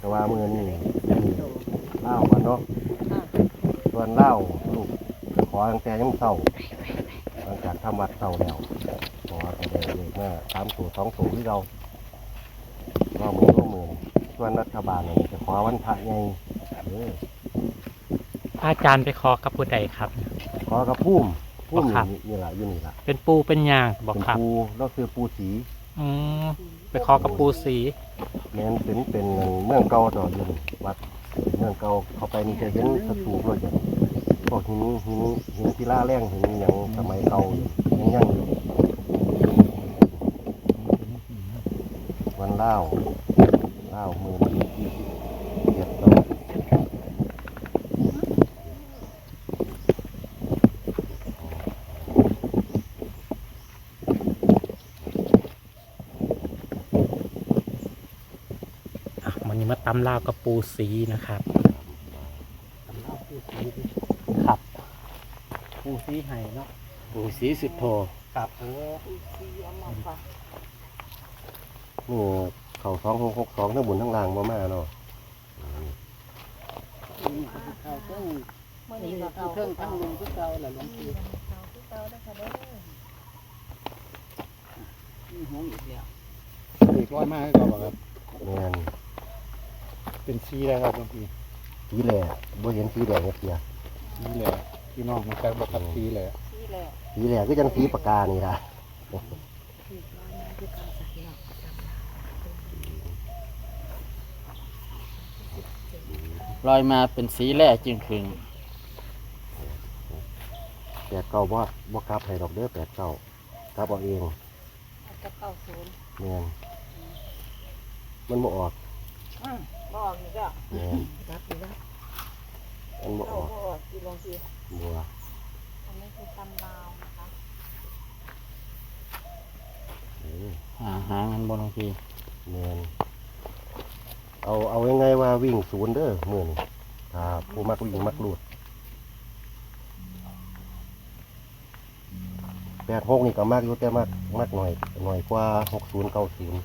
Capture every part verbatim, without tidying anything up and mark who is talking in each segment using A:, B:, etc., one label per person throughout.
A: แต่ว่ามือนี่เล่ากันเนาะส่วนเล่าลูกขอตั้งแต่ยังเศร้าหลังจากทำวัดเศร้าแล้วขอแต่เด็กเด็กแม่สามตัวสองตัวที่เราก็มือก็มือส่วนรัฐบาลนี่จะขอวันพระไงเออ
B: อาจารย์ไปขอกับผู้ใดครับ
A: ขอกระพุ่มพุ่ม
B: ครับ
A: นี่นี่ละอยู่นี่ละ
B: เป็นปูเป็นยางบอก
A: เป็น
B: ครับ
A: ปูแล้วคือปูสี
B: อืมไปขอกับปูสี
A: แม้นเป็นเป็นเมืองเก่าต่ออยู่นี่วัดเมืองเก่าเข้าไปนี่จะเห็นสถูปเลยอย่างพวกหินหินหินศิลาแรงหินอย่างสมัยเก่าอยู่ยังยังอยู่วันเล่าเล่ามือมันเจ็ดตัว
B: อ่ะวันนี้มาตำลาวกับปูสีนะครับครับปูสีไห้เนาะ
C: ปูสีสิบโท
B: ครับโอ้
A: นี่เขาสองหกหกสองทั้งบนทั้งล่างมามาเนาะ
C: เขาเครื่องนี่เขาเครื่องทั้งลุงทุกเก่าแหละหลวงพี่นี่หงอีกแล้วอีกร้อยมากให้เราครับ
A: แม่น
C: เป็นซีแล้วครับหลวงพี่
A: สีแหล่บ่เห็นสีแดงเสีย
C: นี่แหละพี่น้องมันจะบอกกับซีเลย
A: สีแหล่ก็ยังสีปากกานี่ล่ะ
C: ลอยมาเป็นสีแร่จึงคืน
A: แปดเก้าบ่บ่กลับให้ดอกเด้อแปดเก้ากลับเอาเอง
D: จะเข้าศูนย์
A: แม่นมันบ่ออก
D: อืมบออกอีกแล้ว
A: แม่น
D: รับอีกแล้ว
A: มันบ่อ
D: เข้า
A: อก
D: บออกกี่ลงที
A: บัว
D: อันนี้คือตำลาวนะคะ
A: เออ
C: หาหาเงินบนหลวงพี่
A: แม่นเอาเอายังไงว่าวิ่งศูนย์เด้อมื้อนี้ครับผู้มักวิ่งมักลูดแปดหกนี่ก็มากอยู่แต่มากมากหน่อยหน่อยกว่าหกศูนย์เก้าศูนย์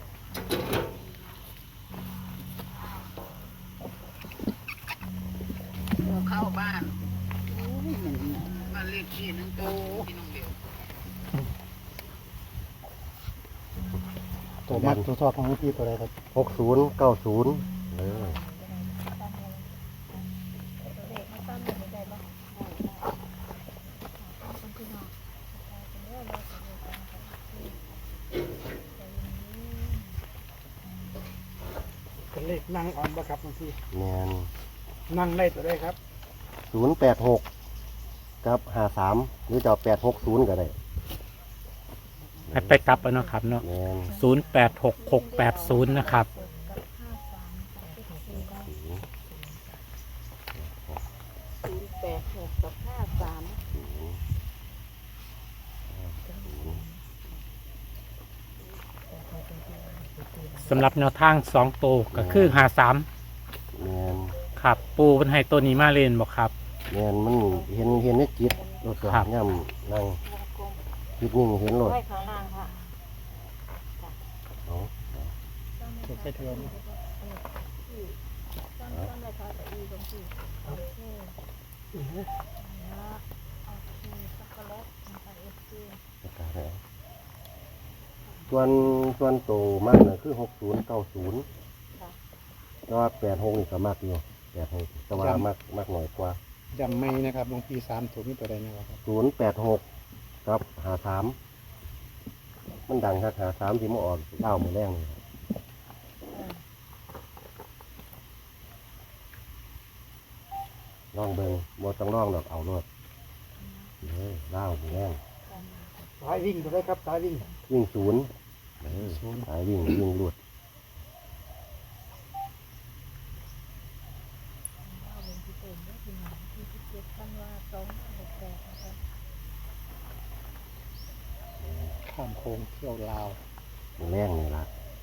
D: เข้าบ้านบ้านเลขที่หนึ่งโตที่น้องเดียว
C: ตัวมัดตัวชอบของหลวงพี่ตัวอะไรครับ
A: หกศูนย์เก้าศูนย์เออ
D: เลขไม่ตั้งไม่ได้บ้างคนที่นอนเป็นเรื่องเราจะดูกันค่ะ
E: เป็นเลขนั่งอ่อนบ่ครับบางที
A: แมน
E: นั่งได้ตัวได้ครับ
A: ศูนย์แปดหกกับห้าสามหรือจะแปดหกศูนย์ก็ได้
B: ให้ไปกลับเอาเนาะครับเนาะ
A: แมน
B: ศูนย์แปดหกหกแปดศูนย์นะครับ
D: ศูนย์แปดหกกับห้าสาม
B: สำหรับแนวทางสองตัวก็คือหาสาม
A: แมน
B: ครับปูเป็นให้ตัวนี้มาเล่นบอกครับ
A: แมนมันเห็นเห็นในจิตรถส
B: ครับ
A: ย่ำนั่ง
D: วงกลม
A: จิตนิ่งเห็นรถ
D: ไว้ข้างล่างค่ะ
A: เอา
C: ถูกใช้เทือน
D: ตั้งตั้งราคาแต่ดีตรงที่โอเคนะโอเคช็อกโกแลตนะคะเอฟซี
A: ประกาศแล้วส่วนส่วนโตมากน่ะคือหกศูนย์เก้าศูนย์แต่ว่าแปดหกนี่ก็มากอยู่แปดหกแต่ว่ามากมากหน่อยกว่า
C: จำไม่นะครับหลวงพี่สามถูกนี่ตัวใดนะครับ
A: ศูนย์แปดหกกับหาสามมันดังครับหาสามที่มาออกเล่ามือแรงเลยล่องเบิงบดต้องล่องดอกเอารถเฮ้ยเล่ามือแรง
E: สายวิ่งตัวได้ครับสายวิ่ง
A: วิ่งศูนย์เออสายวิ่งวิ่งหลุด
C: ข้ามโค้งเที่ยวลาว
A: มือแรงนี่ละ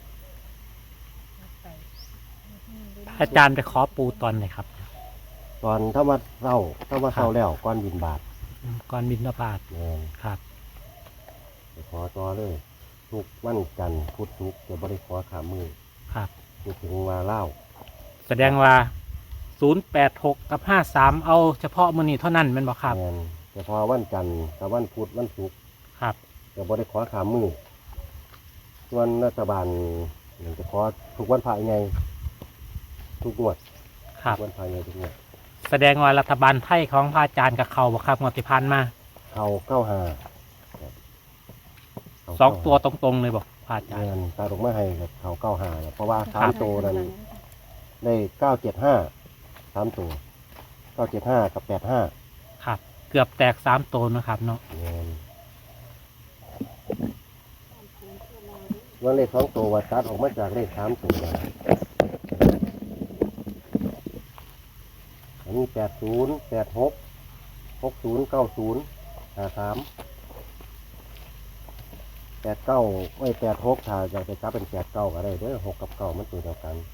B: อาจารย์ไปขอปูตอนไหนครับ
A: ตอนถ้าว่าเศร้าถ้าว่าเศร้าแล้วก้อนบินบาท
B: อืมก่อนบินบาต
A: แม่น
B: ครับ
A: ไปขอต่อเลย ทุกวันจันทร์พุธศุกร์จะบริขอขามือ
B: ครับ
A: พูดถึงว่าเล่า
B: แสดงว่าศูนย์แปดหกกับห้าสามเอาเฉพาะมื้อนี้เท่านั้นแม่นบ่ครับ
A: แม่นแต่พอวันจันทร์กับวันพุธวันศุกร์
B: ครับ
A: จะบ่ได้ขอขามมือส่วนรัฐบาลนี่จะขอทุกวันพระไงทุกงวด
B: ครับ
A: ทุกวันพระไงทุกงวด
B: แสดงว่ารัฐบาลไทยของพระอาจารย์กับเขาบ่ครับงวดที่ผ่านมา
A: เขาเก้าหา
B: สองตัวตรงๆเลยบอกพระอาจารย์
A: เงินตาดอกไม้ให้กับเขาเก้าหาเพราะว่าสา
B: ครั
A: ม
B: บ
A: ตัวนั้นได้เก้าเจ็ดห้าสามตัวเก้าเจ็ดห้ากับแปดห้า
B: ครับ เกือบแตกสามตัวนะครับเนาะ
A: เงินว่าเลขสองตัววัดตัดออกมาจากเลขสามตัวนะอันนี้แปดศูนย์แปดหกหกศูนย์เก้าศูนย์ห้าสามแปดเก้าไม่แปดหกถ้าอยากจะจับเป็นแปดเก้าก็ได้เด้อหกกับเก้ามันตัวเดียวกัน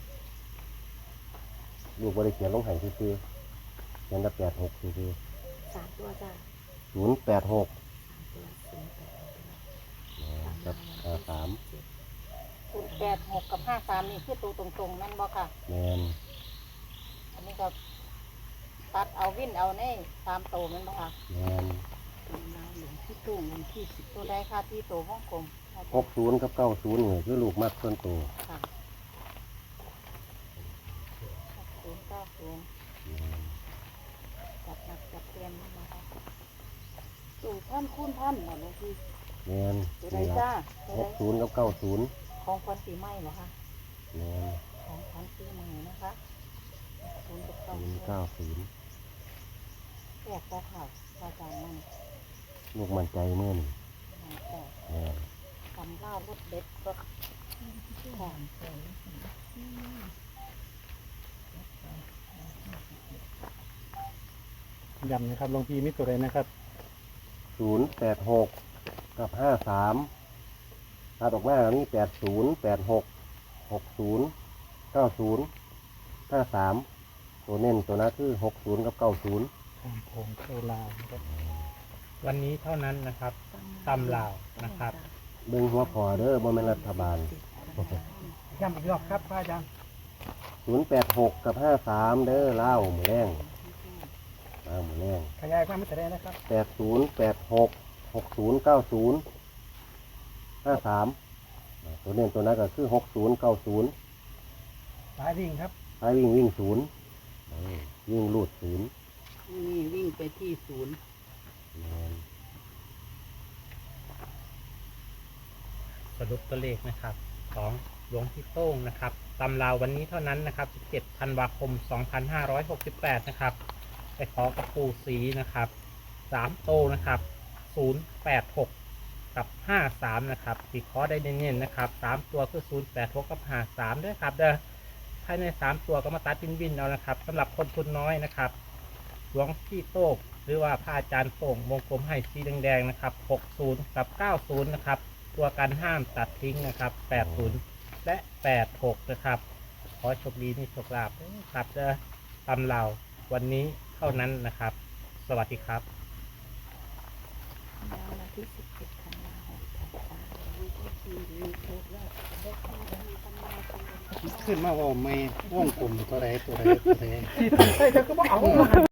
A: ลูกบริเขียนลงใหายซื่อๆเขียนแต่แปดหกซื่อ
F: สามตัวจ้า
A: ๆศูนย์แปดหก
F: ตัวศูนย์แปดหก
A: กับห้าสาม
C: ศูนย์แปดหกกับห้าสามนี่คือตัวตรงๆนั่นบ่ค่ะ
A: แมน
C: อันนี้ก็ตัดเอาวินเอาในตามโตมันบ่ค่ะ
A: แมน
C: หลวงที่ตู้เงินที่สิบตัวได้ค่ะที่โตฮ่องกง
A: หกศูนย์กับเก้าศูนย์นี่คือลูกมากส่วนตัว
C: ค่ะศูนย์เก้าศูนย์
A: แม่น
C: จับหนักจับเต็มนะคะสูตรท่านคุ้นท่านหมดเลยที่
A: แมน
C: ตัวใด
A: นี่
C: จ้า
A: ละ
C: ตัว
A: ห
C: ใด
A: กศูนย์กับเก้าศูนย์
C: ของควันปีใหม่เหรอคะ
A: แมน
C: ของควันปีใหม่นะคะศูนย์กับเก้า
A: ศูน
C: ศูน
A: ย์
C: ย์
A: เก้าศูนย์
C: แตกตาข่าวอาจารย์มัน
A: ลูกมันใจเมื่อนี่
C: แตก
A: แมน
C: ทำล่ารถเด็ดรถหอม
E: ย้ำนะครับหลวงพี่มิตรตัวใดนะครับ
A: ศูนย์แปดหกกับห้าสามตัดออกมามีแปดศูนย์แปดหกหกศูนย์เก้าศูนย์ห้าสามตัวเน้นตัวนั้นคือหกศูนย์กับเก้าศูนย์
E: ทางโพงโซลาวนะครับ
B: วันนี้เท่านั้นนะครับตำลาวนะครับ
A: เบิ่งหัวพอเด้อบ่แม่นรัฐบาล
E: ย้ำอีกรอบครับพระอาจารย์
A: ศูนย์แปดหกกับห้าสามเด้อเล่าหมูแรงเล่าหมูแรง
E: ขยายความมิตรตัวใดนะครับ
A: แปดศูนย์แปดหกหกศูนย์เก้าศูนย์ห้าสามตัวเน้นตัวนั้นก็คือหกศูนย์เก้าศูนย์
E: สายวิ่งครับ
A: ให้วิ่งวิ่งศูนย์เออวิ่งลูดศูนย์
C: นี่วิ่งไปที่ศูนย์
A: แม่น
B: สรุปตัวเลขนะครับของหลวงพี่โต้งนะครับตำราววันนี้เท่านั้นนะครับสิบเจ็ดธันวาคมสองพันห้าร้อยหกสิบแปดนะครับไปขอกระปูสีนะครับสามโตนะครับศูนย์แปดหกกับห้าสามนะครับสีขอได้เน้นๆนะครับสามตัวคือศูนย์แปดหกกับห้าสามด้วยครับเด้อภายในสามตัวก็มาตัดวินวินเอานะครับสำหรับคนทุนน้อยนะครับหลวงพี่โต้งหรือว่าพระอาจารย์โป่งวงกลมให้สีแดงๆนะครับหกศูนย์กับเก้าศูนย์นะครับตัวกันห้ามตัดทิ้งนะครับแปดศูนย์และแปดหกนะครับขอโชคดีมีโชคลาภครับเด้อตำเราวันนี้เท่านั้นนะครับ สวัสดีครับ
F: วันที่สิบเจ็ดธันวาคมจ้า
C: ขึ้นมาว่าไม่ว่องกลมตัวใดตัวใดตัวใด
E: ที่ทำใส่เธอก็บอกเอา